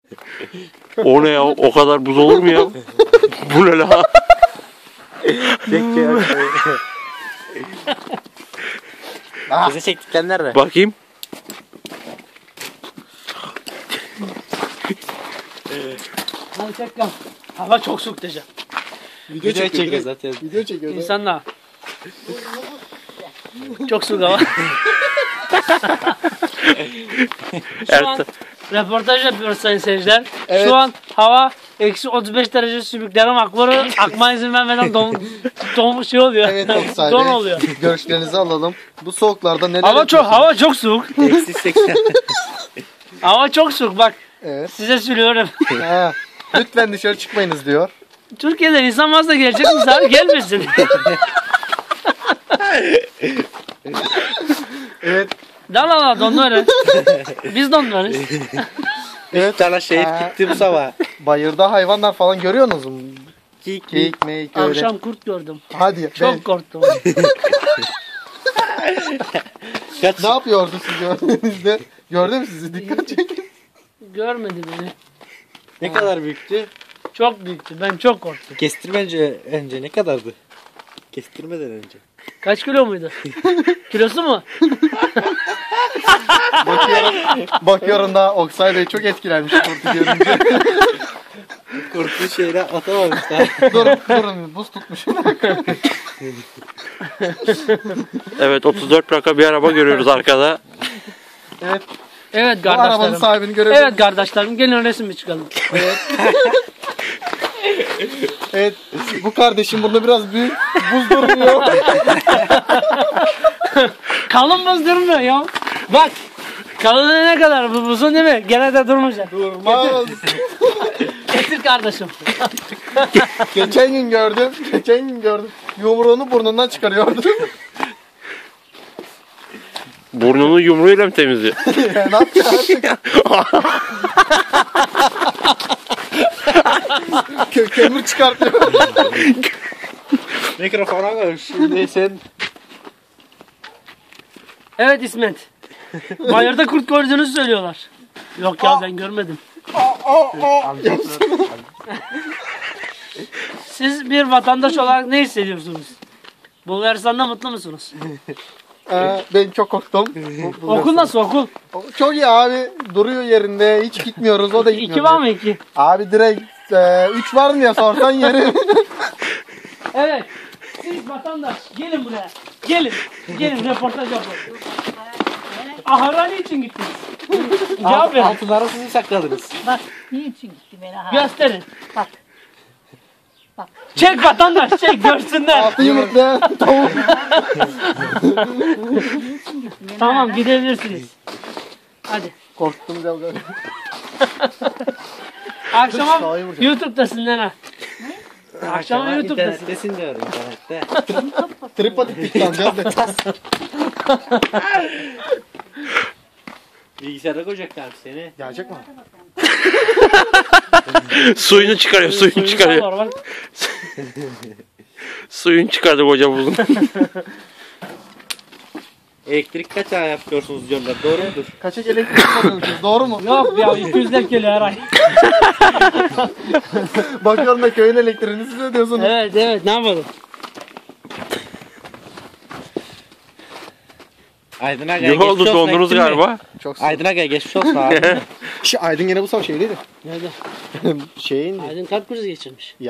O ne ya? O kadar buz olur mu ya? Bu ne la? Bize çektikler nerede? Bakayım. Hadi tekrar. Hava çok soğuk diyeceğim. Video çekiyor zaten. Video çekiyor. İnsanlar. Çok soğuk hava. Şu an röportaj yapıyoruz sayın seyirciler. Evet. Şu an hava eksi 35 derece sümüklerim akları akma izin vermeden şey oluyor. Evet Oksay Don Bey. oluyor. Görüşlerinizi alalım. Bu soğuklarda neler Hava çok soğuk. Eksi 80. Hava çok soğuk bak. Evet. Size söylüyorum. Ha, lütfen dışarı çıkmayınız diyor. Türkiye'den insan fazla gelecek misafir gelmesin. Evet. Dal donları. Biz donlarız. Evet. Sana şehit gitti bu sabah. Bayırda hayvanlar falan görüyorsunuz mu? Geyik, meyik öyle. Akşam kurt gördüm. Hadi. Çok korktum. Ne yapıyordu siz gördüğünüzde? Gördü mü sizi? Dikkat çekin. Görmedi beni. Ne kadar büyüktü? Çok büyüktü. Ben çok korktum. Kestirmence önce ne kadardı? Kestirmeden önce. Kaç kilo muydu? Kilosu mu? Bakıyorum da Oksay Bey çok etkilenmiş kurtu görünce. Kurtlu şeyle atamamışlar. durun buz tutmuş. Evet 34 plaka bir araba görüyoruz arkada. Evet. Evet Bu arabanın kardeşlerim. sahibini görebiliriz. Evet kardeşlerim. Gelin resim bir çıkalım. Evet. Bu kardeşim burada biraz büyük. Buz durmuyor. Kalın buz durmuyor ya. Bak. Kalınlığı ne kadar bu buzun değil mi? Gene de durmayacak. Durmaz. Getir kardeşim. Geçen gün gördüm. Yumruğunu burnundan çıkarıyordu. Burnunu yumruğuyla mı temizliyor? Ne yapıyor artık? Kömür çıkartıyor. Mikrofona koy. Şimdi sen Evet İsmet. Bayırda kurt gördüğünüzü söylüyorlar. Yok ya ben görmedim. Siz bir vatandaş olarak ne hissediyorsunuz? Bulgaristan'da mutlu musunuz? Ben çok korktum. Okul nasıl okul? Çok iyi abi. Duruyor yerinde. Hiç gitmiyoruz. O da gitmiyor. 2 var mı 2? Abi direkt 3 var mı ya sorsan yeri. Evet. Siz vatandaş gelin buraya. Gelin. Gelin röportaj yapalım. Ahara niçin gittiniz? Cevap verin. altınları sizi sakladınız. Bak niçin gitti beni ha? Gösterin. Bak. Bak. Çek vatandaş çek görsünler. Altı yumurtlayan tavuk. Tamam gidebilirsiniz. Hadi. Korktum ya. Akşama Sahi vuracak. YouTube'dasın Lena. Akşama YouTube'dasın. İnternettesin diyorum internette. Tripatik tıklanacağız da. Bilgisayara koyacaklar seni. Gelecek mi? Suyunu çıkarıyor, suyunu çıkarıyor. Var, bak. Suyunu çıkardı koca buzun. Elektrik kaçağı yapıyorsunuz diyorlar. Doğru mudur? Kaçak elektrik yapıyormuşuz. Doğru mu? Yok ya 200'ler geliyor her ay. Bakıyorum da köyün elektriğini siz ödüyorsunuz. Evet evet ne yapalım? Aydın Aga Ne oldu, dondunuz galiba? Çok sağ ol. Aydın Aga geçmiş olsun abi. Aydın gene bu sabah şeydeydi. Nerede? Şeyindi. Aydın kalp krizi geçirmiş.